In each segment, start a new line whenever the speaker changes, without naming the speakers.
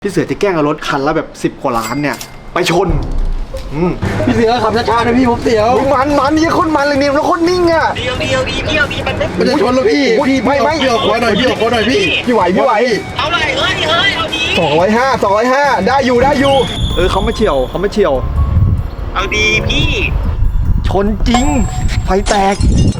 พี่เสือจะแกล้งเอารถคันละแบบ10 กว่าล้านเนี่ยไปชน
พี่เสือขับช้าๆนะพี่ผมเสียว
มันนี่คนมันเลยเนี่ยแล้วคนนิ่งอ่ะ
เดียวมัน
มันจะชนแล้วพี่
ไม่
พี่ออกขวาหน่อยพี่ออกขวาหน่อยพี่
ไหว
เอาเลยเฮ้ยเอาดี
205ได้อยู่เขาไม่เฉียว
เอาดีพี่
ชนจริงไฟแตก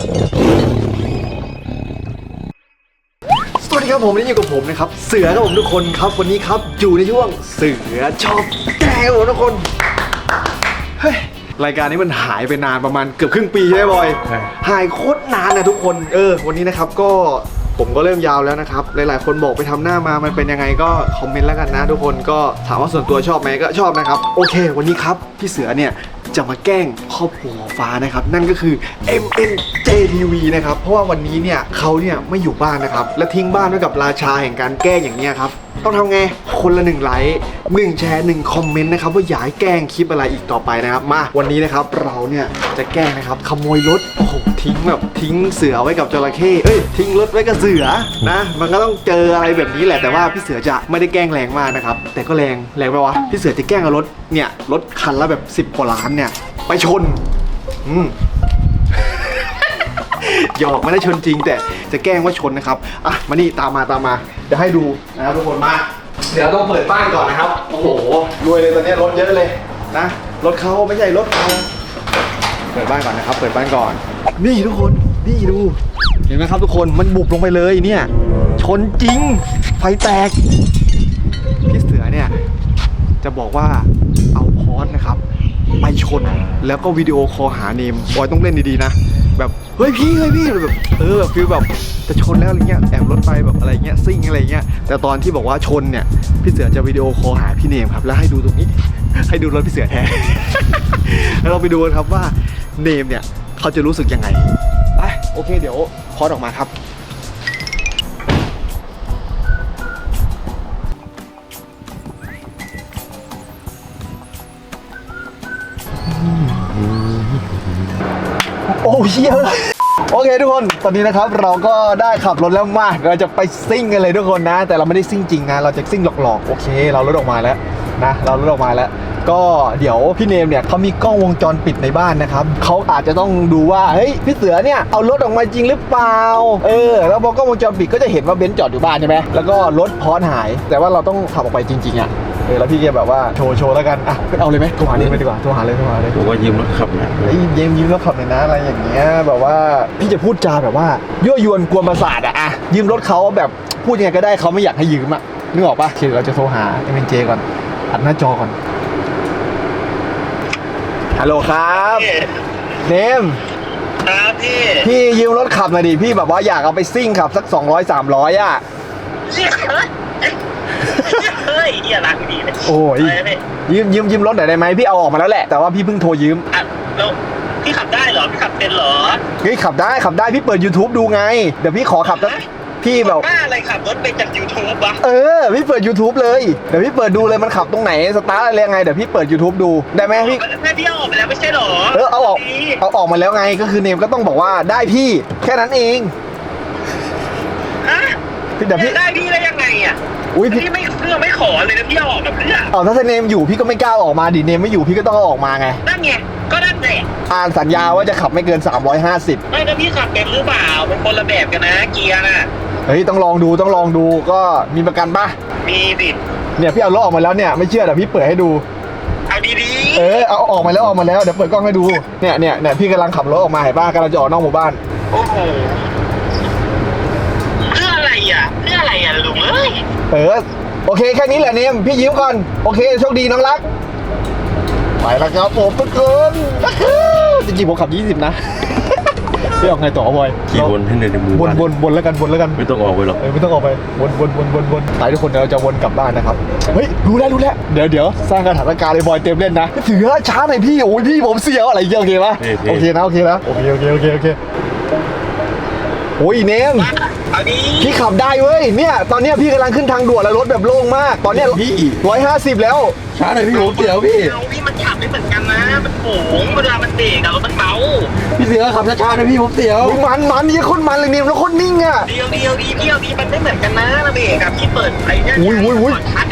สวัสดีครับผมนี่อยู่กับผมนะครับเสือครับผมทุกคนครับวันนี้ครับอยู่ในช่วงเสือชอบแกล้งผมทุกคนเฮ้ยรายการนี้มันหายไปนานประมาณเกือบครึ่งปีใช่ไหมบอยหายโคตรนานนะทุกคนวันนี้นะครับก็ผมก็เริ่มยาวแล้วนะครับหลายๆคนบอกไปทำหน้ามามันเป็นยังไงก็คอมเมนต์แล้วกันนะทุกคนก็ถามว่าส่วนตัวชอบไหมก็ชอบนะครับโอเควันนี้ครับพี่เสือเนี่ยจะมาแกล้งครอบครัวฟ้านะครับนั่นก็คือ MNJTV นะครับเพราะว่าวันนี้เนี่ยเขาเนี่ยไม่อยู่บ้านนะครับและทิ้งบ้านไว้กับราชาแห่งการแกล้งอย่างเนี้ยครับต้องทำไงคนละ1 ไลค์1 แชร์1 คอมเมนต์นะครับว่าอยากให้แกล้งคลิปอะไรอีกต่อไปนะครับมาวันนี้นะครับเราเนี่ยจะแกล้งนะครับขโมยรถโอ้โหทิ้งเสือไว้กับจระเข้ทิ้งรถไว้กับเสือนะมันก็ต้องเจออะไรแบบนี้แหละแต่ว่าพี่เสือจะไม่ได้แกล้งแรงมากนะครับแต่ก็แรงไปวะพี่เสือจะแกล้งเอารถคันละแบบ10 กว่าล้านเนี่ยไปชนหยอกไม่ได้ชนจริงแต่จะแกล้งว่าชนนะครับอ่ะมานี่ตามมาเดี๋ยวให้ดูนะครับทุกคนมาเดี๋ยวต้องเปิดบ้านก่อนนะครับโอ้โหรวยเลยตอนนี้รถเยอะเลยนะรถเขาไม่ใช่รถเราเปิดบ้านก่อนนะครับเปิดบ้านก่อนนี่ทุกคนนี่ดูเห็นไหมครับทุกคนมันบุบลงไปเลยเนี่ยชนจริงไฟแตกพี่เสือเนี่ยจะบอกว่าเอาพอสนะครับไปชนแล้วก็วิดีโอคอลหาเนมบอยต้องเล่นดีๆนะแบบเฮ้ยพี่แบบแบบฟีลแบบจะชนแล้วอะไรเงี้ยแอบรถไปแบบอะไรเงี้ยซิ่งอะไรเงี้ยแต่ตอนที่บอกว่าชนเนี่ยพี่เสือจะวิดีโอคอลหาพี่เนมครับแล้วให้ดูตรงนี้ให้ดูรถพี่เสือแทน แล้วเราไปดูกันครับว่าเนมเนี่ยเขาจะรู้สึกยังไงไปโอเคเดี๋ยวพอดออกมาครับโอ้เชี่ยโอเคทุกคนตอนนี้นะครับเราก็ได้ขับรถแล้วมาเราจะไปซิ่งกันเลยทุกคนนะแต่เราไม่ได้ซิ่งจริงนะเราจะซิ่งหลอกๆโอเคเรารถออกมาแล้วนะเรารถออกมาแล้วก็เดี๋ยวพี่เนมเนี่ยเขามีกล้องวงจรปิดในบ้านนะครับเขาอาจจะต้องดูว่าเฮ้ยพี่เสือเนี่ยเอารถออกมาจริงหรือเปล่าแล้วพอกล้องวงจรปิดก็จะเห็นว่าเบนซ์จอดอยู่บ้านใช่ไหมแล้วก็รถพอสหายแต่ว่าเราต้องขับออกไปจริงๆอ่ะแล้วพี่แกแบบว่าโชว์แล้วกันอ่ะเอาเลยไหมโทรหาเนมไปดีกว่าโทรหาเลย
ผมว่ายืมรถขับนะ
ยืมรถขับหน่อยนะอะไรอย่างเงี้ยแบบว่าพี่จะพูดจาแบบว่ายั่วยวนกวนประสาทอะยืมรถเขาแบบพูดยังไงก็ได้เขาไม่อยากให้ยืมอะนึกออกปะคือเราจะโทรหาMNJก่อนอัดหน้าจอก่อนฮัลโหลครับเนม
ครับ
พี่ยืมรถขับหน่อยดิพี่แบบว่าอยากเอาไปซิ่งขับสัก200-300อะ
เฮ้ยรักดีเลย
โอ้ยยืมรถหน่อยได้ไหมพี่เอาออกมาแล้วแหละแต่ว่าพี่เพิ่งโทรยืม
แล้วพี่ขับได้เหรอพี่ขับเป็นเหรอ
เฮ้ยขับได้พี่เปิด YouTube ดูไงเดี๋ยวพี่ขอขับแล้วพี่แบบ
อะไรขับรถไปจาก YouTube วะ
พี่เปิด YouTube เลยเดี๋ยวพี่เปิดดูเลยมันขับตรงไหนสตาร์ทอะไรยังไงเดี๋ยวพี่เปิด YouTube ดูได้ไหมพี่
พี่เอาออกมาแล้วไม่ใช่หรอ
เอาออกมาแล้วไงก็คือเนมก็ต้องบอกว่าได้พี่แค่นั้นเอง
เดี๋ยวพี่ได้พี่ได้ยังไงอ่ะ
อุ้ย
พี่ไม่ขอเลยนะพี่เอาออกมาเพื่อ
ถ้าเนมอยู่พี่ก็ไม่กล้าออกมาดิเนมไม่อยู่พี่ก็ต้องเอาออกมาไง
นั่นไงก็นั่นแหละ
สัญญาว่าจะขับไม่เกิน350
ไม่แล้วพี่ขับเป็นหรือเปล่าเป็นคนละแบบกันนะเกียร์น่ะ
เฮ้ยต้องลองดูก็มีประกันป่ะ
มีสิ
เนี่ยพี่เอารถออกมาแล้วเนี่ยไม่เชื่อเดี๋ยวพี่เปิดให้ดู
เอาดี
ๆเอาออกมาแล้วเดี๋ยวเปิดกล้องให้ดูเนี่ยพี่กำลังขับรถออกมาเห็นป่ะกำลังจะออกนอกหมู่บ้าน
โอ้โหเพื่ออะไรลุง
โอเคแค่นี้แหละเนมพี่ยืมก่อนโอเคโชคดีน้องรักไปแล้วครับผมทุกคนจริงๆผมขับ20นะพี่ออกไงต่อบอย
ขี่วนให้ในมื
อบนแล้วกัน
ไม่ต้องออกไปหรอก
ไม่ต้องออกไปวนไปทุกคนเราจะวนกลับบ้านนะครับเฮ้ยรู้แล้วเดี๋ยวสร้างสถานการณ์เลยบอยเต็มเล่นนะถือช้าหน่อยพี่โอ้ยพี่ผมเสียวอะไรเงี้ยโอเคปะโอเคนะโอเคโอ้ยเนมพี่ขับได้เว้ยเนี่ยตอนเนี้ยพี่กำลังขึ้นทางด่วนแล้วรถแบบโล่งมากตอนเนี้ย
พี่
150แล้ว
ช้าหน่อยพี่ผมเสียวพี่
มันขับไม่เหมือนกันนะมันโผงเวลามันเบรกอะมันเบา
พี่เสือขับช้าๆนะพี่ผมเสียว
มันนี่คนมันเลยเนมแล้วคนนิ่งอะ
เดียวมันไม่เหมือนกันนะระเบรกอะพี่เปิดไอ้เนี่ย
อุ้ย
ชัดอะ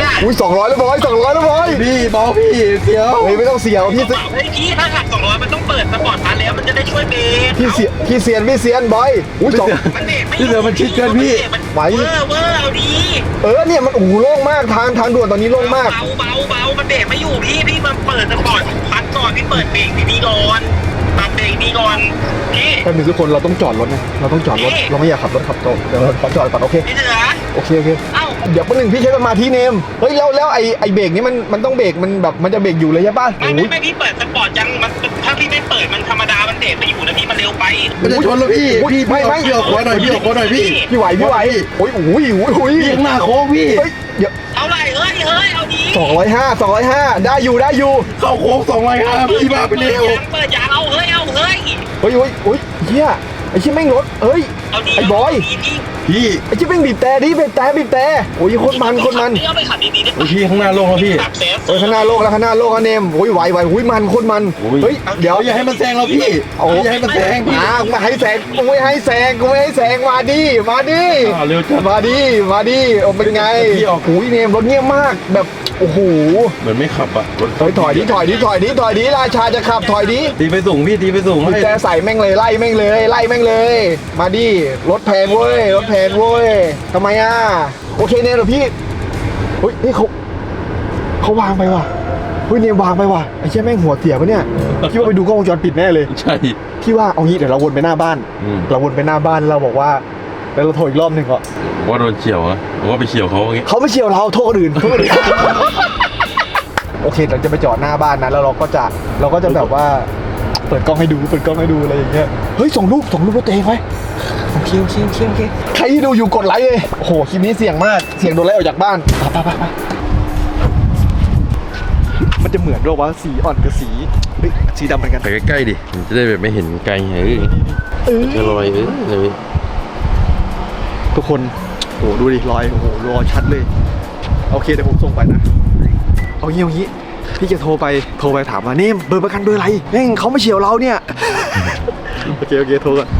อุ้ย200แล้วบอย200แล้วบอย
พี่เบาพี่เสียว
เฮ้ยไม่ต้องเสียวพี่
เฮ้ยพี่ถ้าหัก200มันต้องเปิดสปอร์ตมาแล้วมันจะได้ช่วยเบรก
พี่เซียนบอยอุ้ยสอง
มันเบรกไม่
พี่เสือมันชิดเกินพี่
ไหว
เวอร์เอาดี
เนี่ยมันโอ้โหโล่งมากทางด่วนตอนนี้โล่งมาก
เบามันเบรกไม่อยู่พี่มันเปิดสปอร์ตพักก่อนพี่เปิดเบรกดีๆก่อนปรับเบรกดีก่อนพี่
แป๊บนึงทุกคนเราต้องจอดรถนะเราต้องจอดรถเราไม่อยากขับรถขับโต๊ะเดี๋ยวเราขอจอดก่อนโอเค
พี่เสือ
โอเค
เอ้า
เดี๋ยวแป๊บนึงพี่ใช้สมาธิเนมเฮ้ยแล้วไอ้เบรกนี้มันต้องเบรกมันแบบมันจะเบรกอยู่เลยใช่ป่ะ
ไม่พี่เปิดสปอร์ตยังมันถ้าพี่ไม่เปิดมันธรรมดามันเบรกไม่อยู่นะพี่มันเร็วไป
มันจะชนแล้วพี่พี่ออกขวาหน่อยพี่ออกขวาหน่อยพี่
พี่ไหวโอ้ย
พี่ข้างหน้าโค้งพี่
เฮ้ยเดี๋ยว
เท่าไหร่เฮ้ยเอาดี
205ได้อยู่
เข้าโค้ง205พี่บ้าไปเร็ว
เปิดยางเอาเฮ้ย
เฮ้ยเฮียไอ้ชิ้นแม่งรถเฮ้ย
เอาดี
ไอ้บอย
พี่
ไอ้ชิ้นแม่งบีบแต่บีบแต่โอ้ยโคตรมัน
นี่เอาไปขับดีๆได้
พี่ข้างหน้าโล่งแล้วพี่
ขับเซฟ
ข้างหน้าโลกแล้วเนมโอ้ยไหวมันโคตรมันเฮ้ยเดี๋ยว
อย่าให้มันแซงเราพี่อย่าให้มันแซงพี่
มาให้แซงกูไม่ให้แซงมาดิ
เร็วจัด
มาดิโอ้เป็นไง
พี่ออก
โอ้ยเนมรถเงียบมากแบบโอ้โห
เหมือนไม่ขับอ่ะ
เฮ้ยถอยดิราชาจะขับถอยดิ
ตีไปสูงพี่ตีไปสูง
กุญแจใส่แม่งเลยไล่แม่งเลยมาดิรถแพงเว้ยทำไมอ่ะโอเคเนี่ยเดี๋ยวพี่เฮ้ยนี่เขาวางไปว่ะเฮ้ยเนี่ยวางไปว่ะไอ้เชี่ยแม่งหัวเสียปะเนี่ยคิดว่าไปดูกล้องวงจรปิดแน่เลย
ใช่
พี่ว่าเอางี้เดี๋ยวเราวนไปหน้าบ้านเราบอกว่าแล้วเราโทรอีกรอบหนึ่งก่อน
ว่าโดนเฉียวอะว่าไปเฉียวเขาอย่างงี้
เขาไม่เชียวเราโทษคนอื่นโอเคเราจะไปจอดหน้าบ้านนะแล้วเราก็จะแบบว่าเปิดกล้องให้ดูอะไรอย่างเงี้ยเฮ้ยส่งรูปรถตัวเองไว้โอเคใครที่ดูอยู่กดไลค์เลยโอ้โหคลิปนี้เสี่ยงมากเสี่ยงโดนไล่ออกจากบ้านไปมันจะเหมือนด้วยว่าสีอ่อนกับสีเฮ้ยสีดำเหมือนกัน
ไปใกล้ๆดิมันจะได้แบบไม่เห็นไกลจะลอยเลย
ทุกคนโอ้โหดูดิรอยโอ้โหรอยชัดเลยโอเคเดี๋ยวผมส่งไปนะเอางี้พี่จะโทรไปถามว่าเนมเบอร์ประกันเบอร์อะไรแม่งเขาไม่เฉียวเราเนี่ย โอเคโทรก่อน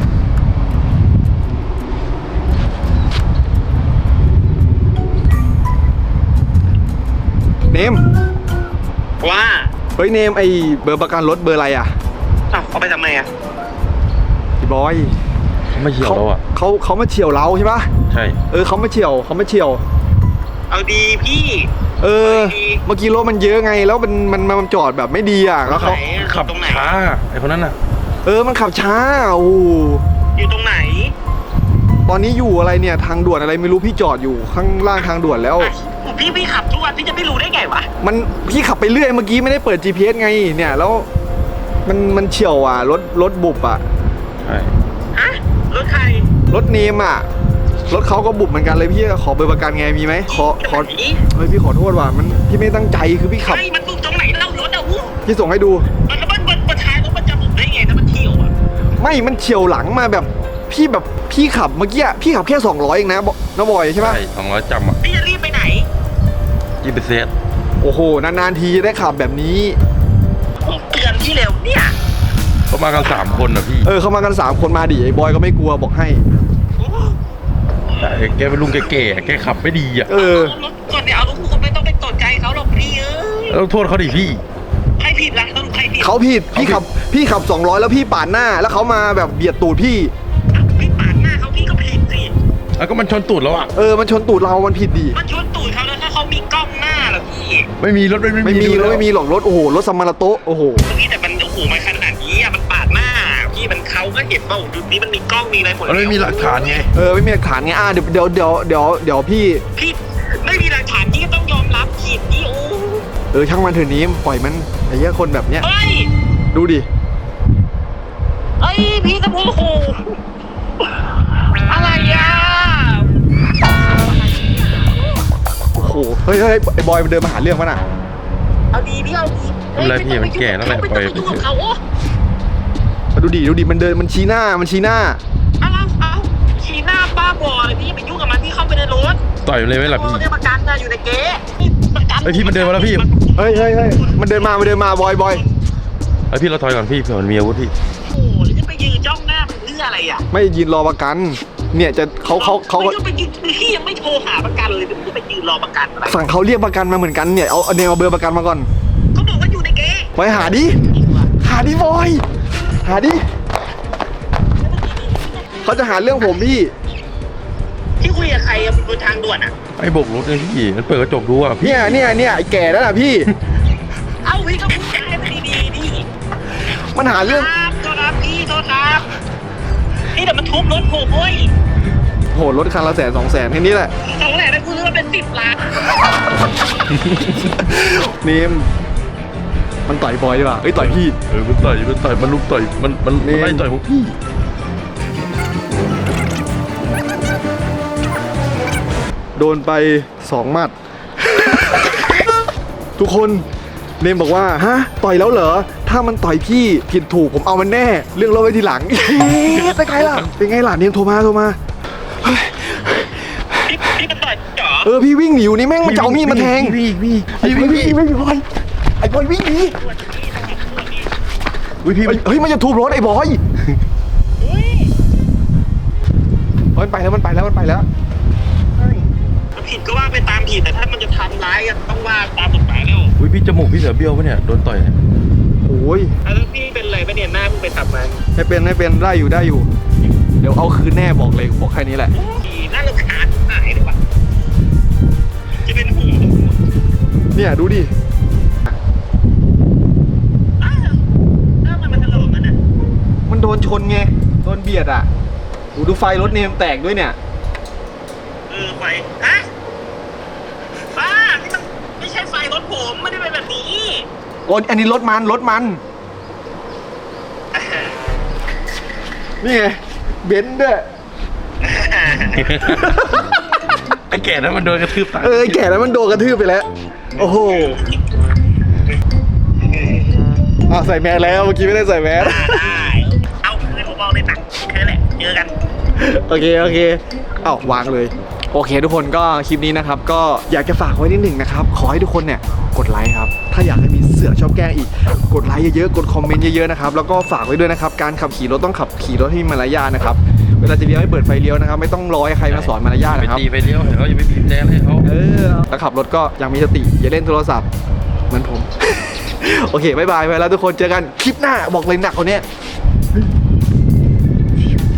เนม
ว่า
เฮ้ยเนมไอเบอร์ประกันรถเบอร์อะไรอ่ะ
เอาไปทำไมอ่ะ
พี่บอย
เขาไม่เฉียวเราอ่ะ
เขามาเฉียวเราใช่ปะ
ใช่
เขามาเฉียว
เอาดีพี่
เมื่อกี้รถมันเยอะไงแล้วมันจอดแบบไม่ดีอ่ะแล้วเขา
ขับ
ตรงไหน
ช้าไอ้คนนั้นน่ะ
มันขับช้าโอ้
อยู่ตรงไหน
ตอนนี้อยู่อะไรเนี่ยทางด่วนอะไรไม่รู้พี่จอดอยู่ข้างล่างทางด่วนแล้ว
พี่ขับทุกวันพี่จะไม่รู้ได้ไงวะ
พี่ขับไปเรื่อยเมื่อกี้ไม่ได้เปิด GPS ไงเนี่ยแล้วมันเฉียวอ่ะรถบุบอ่ะ
ใช่
ฮะรถใคร
รถเนมอ่ะรถเขาก็บุบเหมือนกันเลยพี่ขอเบอร์ประกันไงมีไหมขอเฮ้ยพี่ขอโทษว่ะพี่ไม่ตั้งใจคือพี่ขับ
ไม่มันบุกตรงไหนเล่ารถอ่ะวู้
พี่ส่งให้ดู
มันท้ายรถมันจะบุกได้ไงถ้ามันเที่ยวอ่ะ
ไม่มันเฉียวหลังมาแบบพี่ขับเมื่อกี้พี่ขับแค่200เองนะน้าบอยใช่ปะ
ใช่200จำอ่ะ
พี่จะรีบไปไหน
ยี่สิบเซต
โอ้โหนานๆทีจะได้ขับแบบนี้
ผมเตือนพี่เร็วเนี่ย
เขามากัน3คนนะพี่
เขามากัน3คนมาดิไอ้บอยก็ไม่กลัวบอกให้
แต่แกเป็นลุงแก่ๆแกขับไม่ดีอ่ะ
รถก่อนเนี่ยเอารถคุณไม่ต้องไปสนใจเขาหรอกพี่เอ้ย
ต้องโทษเขาดิพี่
ใครผิดล่ะสรุปใครผิด
เขาผิดพี่ขับ200แล้วพี่ปาดหน้าแล้วเขามาแบบเบียดตูดพี่
พี่ปาดหน้าเขาพี่ก็ผิดสิ
แล้วก็มันชนตูดแล้วอ่ะ
มันชนตูดเรามันผิดดิ
มันชนตูดเขาแล้วถ้าเขามีกล้องหน้าเหรอพี่
ไม่มีรถ
ไม่มีหรอกรถโอ้โหรถสมมาราโตโอ้โห
พี่แต่มันโอ้โหมันขนาดนี้อ่ะมันปาดหน้าพี่มันเขาก็เห็นว่าดูนี้มันมีกล้องมีอะไรหมด
มันไม่มีหลักฐานไง
ไม่มีหลักฐานไงเดี๋ยวพี่
พี่ไม่มีหลักฐานพี่ก็ต้องยอมรับผิดพี่โอ้
ช่างมันเถอะนี้ปล่อยมันไอ้เหี้ยคนแบบเนี้ย
เฮ้ย
ดูดิ
เอ้ยพี่ตะโพโหอะไรอ่ะ
โอ้โหเฮ้ยไอ้บอยมันเดินมาหาเรื่องมันอ่ะ
เอาดีพี่เอาดี
อะไรพี่มันแก่แล้วแหละ
ไม่
ปล่
ต้
อ
อย งไปยุ่งกับเขาโอ้
มาดูดิมันเดินมันชี้หน้า
เอาชี้หน้าบ้าบอเลยพี่ไปยุ่งกับมันพี่เข้าไปในรถ
ต่อยมันเลยไหมล่ะพี่
เนี่ยประกันนะอยู่ในเก๊ประกัน
เฮ้ยพี่มันเดินมาแล้วพี่
เฮ้ยมันเดินมาบอย
ไอพี่เราถอยก่อนพี่เผื่อมันมีอาวุธพี่
โอ้โหแล้วจะไปยืนจ้องหน้ามันเพื่ออะไรอ่ะ
ไม่ยืนรอประกันเนี่ยจะเขา
ไม่ต้องไปยืนพี่ยังไม่โทรหาประกันเลยพี่จะไปยืนรอประกันอะไร
สั่งเขาเรียกประกันมาเหมือนกันเนี่ยเอาเนี่ยเอาเบอร์ประกันมาก่อน
เขาบอกว่าอยู่ในเก๊
ไปหาดิบอยหาดิเขาจะหาเรื่องผมพี่
ที่คุยกับใครอะบนทางด่วนอะ
ไอ้โบกรถเลยพี่มันเปิดกระจกดูอ่ะพี่
เนี่ยไอ้แก่นั่นน่ะพี่
เอ้าพี่ก็พูดจาให้มันดีๆดิ
มันหาเรื่อง
ครับโทษครับพี่โทษครับนี่เดี๋ยวมันทุบรถผมเว้ย
โหรถคันละ100,000-200,000แค่นี้แหละ
2แหล่นะกูซื้อมาเป็น10 ล้าน
เนมมันต่อยบอยดีกว่าเอ้ยต่อยพี่
มันต่อยมันลุกต่อยมันไล่ต่อยพวกพี่
โดนไป2 หมัด ทุกคนเนมบอกว่าฮะต่อยแล้วเหรอถ้ามันต่อยพี่ผิดถูกผมเอามันแน่ เรื่องรถไว้ทีหลัง เป็นไงล่ะเนมโทรมา
พี่มันต่อยเหรอ
พี่วิ่งหนีอยู่นี่แม่งมันจะเอามีดมาแทงไอ้บอยวิ่งหนี
พี่
เฮ้ยมันจะทุบรถไอ้บอย
เฮ้ย
มันไปแล้ว
ผิดก็ว่าไปตามผิดแต่ถ้ามันจะทำร้ายก็ต้องว่าตามกฎหมายแล้ว
พี่จมูกพี่เสือเบี้ยวปะเนี่ยโดนต่อยเนี่ย
โอ้ย
แล้วพี่เป็นอะไรปะเนี่ยหน้าเพิ่งไปทำมา
ไม่เป็นได้อยู่ เดี๋ยวเอาคืนแน่บอกแค่นี้แหละ
น่ารำคาญหายเลยว่ะจะเป็นหัว
เนี่ยดูดิ
อ้าวแล้วมันถลอกมันอ่ะ
มันโดนชนไงโดนเบียดอ่ะดูไฟรถเนมแตกด้วยเนี่ย
ไฟฮะบ้านี่มันไม่ใช่ไฟรถผมไม่ได้เป็นแบบนี้
อันนี้รถมัน นี่ไงเบนซ์ด้วย
ไอ้แก่นั้นมันโดนกระทืบตาย
แก่แล้วมันโดนกระทืบไปแล้ว โอ้โหใส่แมสแล้วเมื่อกี้ไม่ได้ใส่แมส
ได้เอาคืนผมเอาเลยหนักแค่นั้นแหละเจอกัน
โอเควางเลยโอเคทุกคนก็คลิปนี้นะครับก็อยากจะฝากไว้นิดหนึ่งนะครับขอให้ทุกคนเนี่ยกดไลค์ครับถ้าอยากให้มีเสือชอบแกล้งอีกกดไลค์เยอะๆกดคอมเมนต์เยอะๆนะครับแล้วก็ฝากไว้ด้วยนะครับการขับขี่รถต้องขับขี่รถให้มีมารยาทนะครับเวลาจะเลี้ยวให้เปิดไฟเลี้ยวนะครับไม่ต้องรอให้ใครมาสอนมารยาท
ไป
นะครับ
ตีไปเลี้ยวเขาอย่าไปบีบแจ้ให้เขา
แล้วขับรถก็ยังมีสติอย่าเล่นโทรศัพท์เหมือนผม โอเคบ๊ายบายไปแล้วทุกคนเจอกันคลิปหน้าบอกเลยหนักกว่านี้